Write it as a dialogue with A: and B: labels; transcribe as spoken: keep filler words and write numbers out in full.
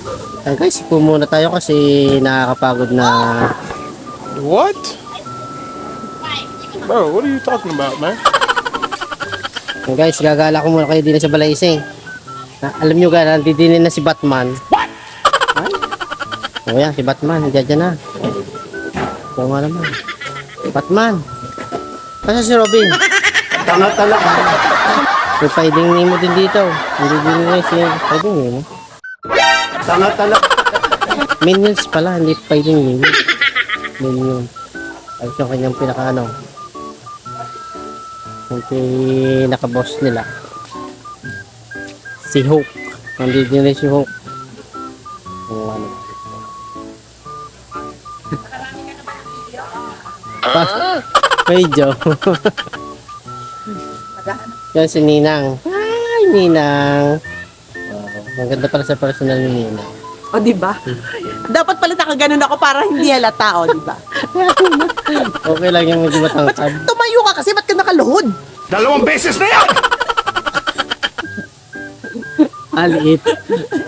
A: Ay guys, po muna tayo kasi nakakapagod na.
B: What? Bro, what are you talking about, man?
A: Ay guys, gagala ko muna kayo din sa Balaising. Na, alam nyo ga, nandidinin na si Batman. What? Ay? O yan, si Batman, nandiyan dyan na. O nga naman. Batman. Kasi si Robin.
B: Tanga talaga.
A: May Finding Nemo din dito. Hindi din na si Finding Nemo.
B: Tanga talaga.
A: Minions pala, hindi Finding Nemo. Minion. Ay, yung kanyang pinaka ano. Yung pinaka-boss nila. Si Hulk. Nandito din si Hulk. Yung ano. Pa- Medyo. Yan si Ninang. Ay, Ninang. Oh, ang ganda pala sa personal ni Ninang.
C: O, di ba? Dapat pala nakaganon ako para hindi halata, o, di ba?
A: Okay lang yung medyo matangkad.
C: Tumayo ka kasi, ba't ka nakaluhod?
B: Dalawang beses na yan!
A: Aliit.